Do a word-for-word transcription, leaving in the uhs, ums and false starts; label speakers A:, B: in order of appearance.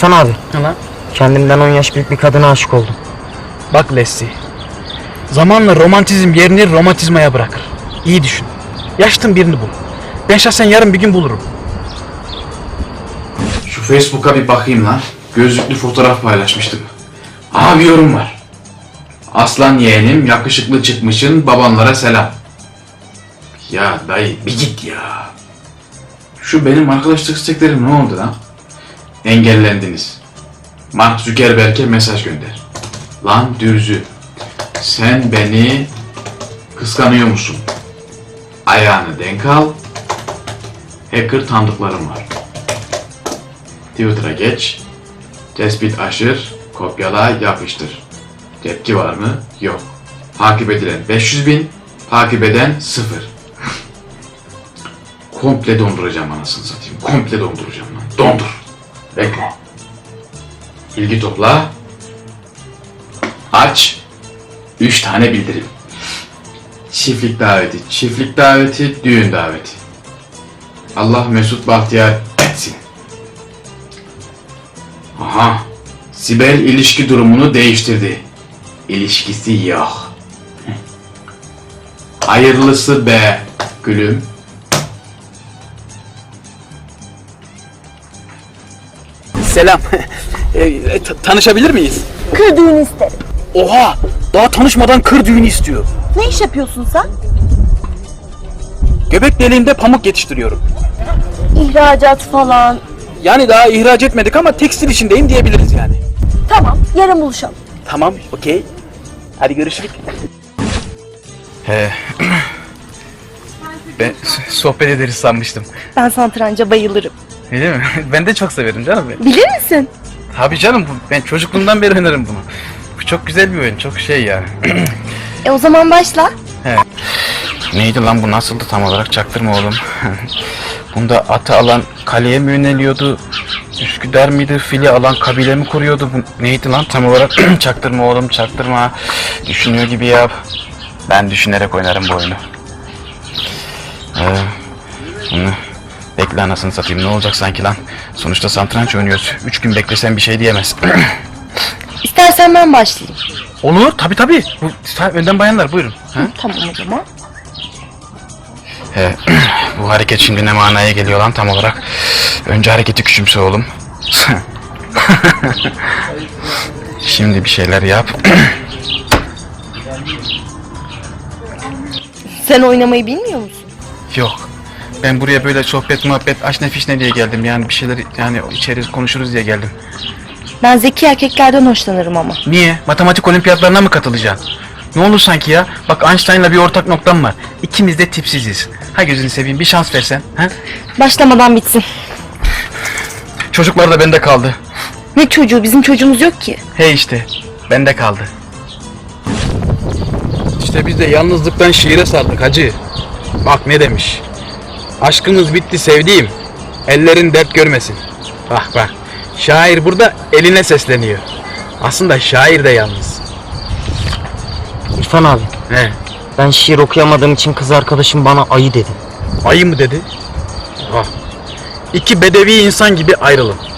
A: İrfan abi.
B: Ne lan?
A: Kendimden on yaş büyük bir kadına aşık oldum.
B: Bak Leslie. Zamanla romantizm yerini romantizmaya bırakır. İyi düşün. Yaştın birini bul. Ben şahsen yarın bir gün bulurum.
C: Şu Facebook'a bir bakayım lan. Gözlüklü fotoğraf paylaşmıştım. Aha bir yorum var. Aslan yeğenim yakışıklı çıkmışın, babanlara selam. Ya dayı bir git ya. Şu benim arkadaşlık isteklerim ne oldu lan? Engellendiniz. Mark Zuckerberg'e mesaj gönder. Lan dürzü. Sen beni kıskanıyor musun? Ayağını denk al. Hacker tanıdıklarım var. Twitter'a geç. Tespit aşır. Kopyala yapıştır. Tepki var mı? Yok. Takip edilen beş yüz bin. Takip eden sıfır. Komple donduracağım anasını satayım. Komple donduracağım lan. Dondur. Bekle. İlgi topla. Aç. Üç tane bildirim. Çiftlik daveti, çiftlik daveti, düğün daveti. Allah Mesut Bahtiyar etsin. Aha. Sibel ilişki durumunu değiştirdi. İlişkisi yok. Hayırlısı be gülüm.
B: Selam. e, t- tanışabilir miyiz?
D: Kır düğünü isterim.
B: Oha! Daha tanışmadan kır düğünü istiyor.
D: Ne iş yapıyorsun sen?
B: Göbek deliğinde pamuk yetiştiriyorum.
D: İhracat falan.
B: Yani daha ihraç etmedik ama tekstil işindeyim diyebiliriz yani.
D: Tamam, yarın buluşalım.
B: Tamam, okey. Hadi görüşürüz. He. Ben sohbet ederiz sanmıştım.
D: Ben satranca bayılırım.
B: Öyle mi? Ben de çok severim canım.
D: Bilir misin?
B: Tabii canım, bu- ben çocukluğumdan beri oynarım bunu. Bu çok güzel bir oyun, çok şey yani.
D: E o zaman başla.
B: Neydi lan bu, nasıldı tam olarak, çaktırma oğlum. Bunda atı alan kaleye mi yöneliyordu? Üsküdar mıydı? Fili alan kabile mi kuruyordu? Bu neydi lan tam olarak? Çaktırma oğlum, çaktırma. Düşünüyor gibi yap. Ben düşünerek oynarım bu oyunu. Ee, bunu bekle anasını satayım, ne olacak sanki lan? Sonuçta satranç oynuyoruz. Üç gün beklesen bir şey diyemez.
D: İstersen ben başlayayım.
B: Olur, tabi tabi. Bu, ta- önden bayanlar buyurun. Ha?
D: Tamam o zaman.
B: He, bu hareket şimdi ne manaya geliyor lan tam olarak? Önce hareketi küçümse oğlum. Şimdi bir şeyler yap.
D: Sen oynamayı bilmiyor musun?
B: Yok. Ben buraya böyle sohbet muhabbet aşne fişne diye geldim. Yani bir şeyler yani içeriz konuşuruz diye geldim.
D: Ben zeki erkeklerden hoşlanırım ama.
B: Niye? Matematik olimpiyatlarına mı katılacaksın? Ne olur sanki ya? Bak Einstein'la bir ortak noktam var. İkimiz de tipsiziz. Ha gözünü seveyim, bir şans versen. Ha?
D: Başlamadan bitsin.
B: Çocuklar da bende kaldı.
D: Ne çocuğu? Bizim çocuğumuz yok ki.
B: He işte, bende kaldı. İşte biz de yalnızlıktan şiire sardık hacı. Bak ne demiş. Aşkımız bitti sevdiğim. Ellerin dert görmesin. Bak bak. Şair burada eline sesleniyor. Aslında şair de yalnız.
A: İrfan abi.
B: He.
A: Ben şiir okuyamadığım için kız arkadaşım bana ayı dedi.
B: Ayı mı dedi? Ah. İki bedevi insan gibi ayrılın.